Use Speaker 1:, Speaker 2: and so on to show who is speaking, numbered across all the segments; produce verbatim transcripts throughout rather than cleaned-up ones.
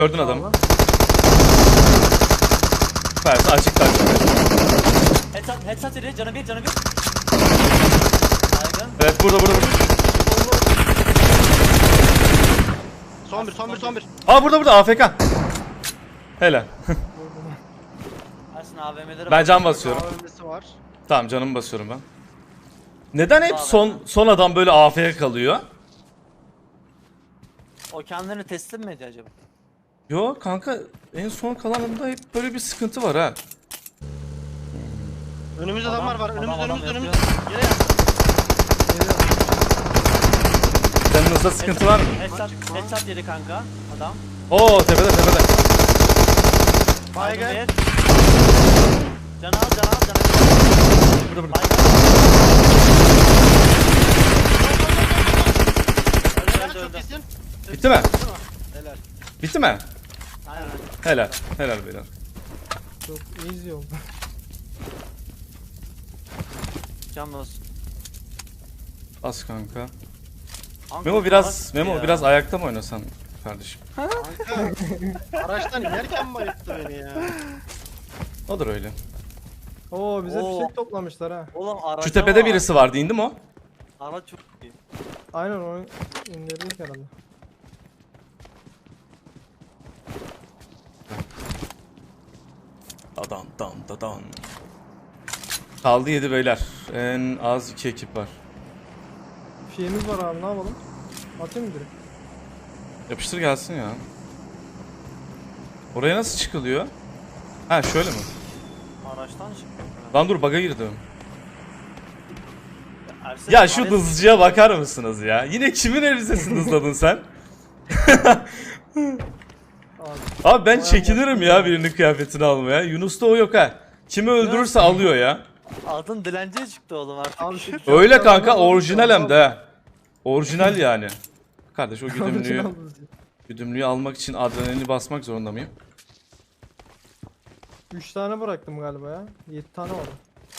Speaker 1: Gördün adamı. Süpersin, açık kalp.
Speaker 2: Headshot, headshot yedi, canı bir, canı bir. Baygın.
Speaker 1: Evet, burada burada burada.
Speaker 3: Son bir, son bir, son bir.
Speaker 1: Aa, burada burada A F K. Helal.
Speaker 2: Ersin A V M'lere
Speaker 1: Ben can basıyorum.
Speaker 3: A V M'si var.
Speaker 1: Tamam, canımı basıyorum ben. Neden hep son son adam böyle A F K kalıyor?
Speaker 2: O kendilerini teslim mi ediyor acaba?
Speaker 1: Yo kanka, en son kalanında hep böyle bir sıkıntı var ha.
Speaker 3: Önümüzde
Speaker 2: Adam-
Speaker 3: adamlar var.
Speaker 2: adam-
Speaker 3: Önümüzde,
Speaker 2: adam
Speaker 3: önümüzde,
Speaker 2: yapıyor.
Speaker 3: önümüzde. Yere yattı.
Speaker 1: Canınızda sıkıntı var mı?
Speaker 2: Headshot, headshot yedi kanka adam.
Speaker 1: Oo, tepede tepede.
Speaker 2: Baygın
Speaker 3: Baygın.
Speaker 2: bir. Can al, can al, can al.
Speaker 1: Burada burada.
Speaker 2: Baygın.
Speaker 3: Helal,
Speaker 2: Öldü,
Speaker 3: çok
Speaker 2: öldü.
Speaker 3: iyisin.
Speaker 1: Bitti mi?
Speaker 3: Helal.
Speaker 1: Bitti mi?
Speaker 2: Aynen.
Speaker 1: Helal. Helal beyler.
Speaker 4: Çok easy oldu.
Speaker 2: Can olsun.
Speaker 1: Az kanka.
Speaker 2: Kanka,
Speaker 1: Memo biraz
Speaker 2: salak
Speaker 1: Memo
Speaker 2: ya.
Speaker 1: biraz ayakta mı oynasan kardeşim?
Speaker 3: Kanka. Araçtan inerken bayılttı beni ya.
Speaker 1: Odur öyle.
Speaker 4: Oo bize
Speaker 2: Oo.
Speaker 4: fişek toplamışlar ha.
Speaker 2: Oğlum araca
Speaker 1: Şu tepede
Speaker 2: var.
Speaker 1: birisi vardı, indi mi o?
Speaker 2: Araç çok iyi.
Speaker 4: Aynen onu indirdik herhalde.
Speaker 1: Dadan dan dadan. Kaldı yedi beyler. En az iki ekip var.
Speaker 4: Fişeğimiz var abi, ne yapalım? Atayım mı direkt?
Speaker 1: Yapıştır gelsin ya. Oraya nasıl çıkılıyor? Ha, şöyle mi?
Speaker 2: Araçtan çıkıyor.
Speaker 1: Lan dur, bug'a girdim.
Speaker 2: Ersin,
Speaker 1: Ya şu
Speaker 2: Ares-
Speaker 1: hızlıcıya bakar mısınız ya? Yine kimin elbisesini hızladın sen?
Speaker 4: Abi.
Speaker 1: Abi ben çekinirim ya birinin kıyafetini almaya. Yunus'ta o yok ha. Kimi öldürürse alıyor ya.
Speaker 2: Adın dilenciye çıktı oğlum artık.
Speaker 4: Abi şu
Speaker 1: Öyle
Speaker 4: çok
Speaker 1: kanka,
Speaker 4: adam-
Speaker 1: orijinal hem de ha. Orijinal yani. Kardeş, o güdümlüğü,
Speaker 4: Orijinal.
Speaker 1: güdümlüğü almak için adrenalini basmak zorunda mıyım?
Speaker 4: Üç tane bıraktım galiba ya. Yedi tane var.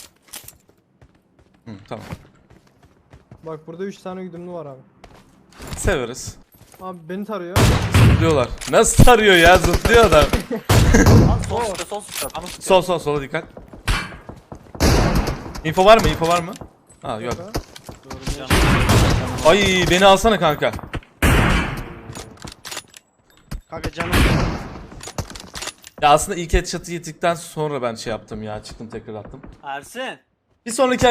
Speaker 1: Hı, tamam.
Speaker 4: Bak burada üç tane güdümlü var abi.
Speaker 1: Severiz.
Speaker 4: Abi beni tarıyor.
Speaker 1: Zıplıyorlar. Nasıl tarıyor ya? Zıplıyor adam.
Speaker 2: Lan sol sıçra, sol sıçra. Bana sıçra.
Speaker 1: Sol sol sola dikkat. Info var mı? Info var mı? Ha, yok.
Speaker 2: Can.
Speaker 1: Ay, beni alsana kanka.
Speaker 3: Kanka canım.
Speaker 1: Ya aslında ilk headshot'ı yedikten sonra ben şey yaptım ya. Çıktım, tekrar attım.
Speaker 2: Ersin.
Speaker 1: Bir sonraki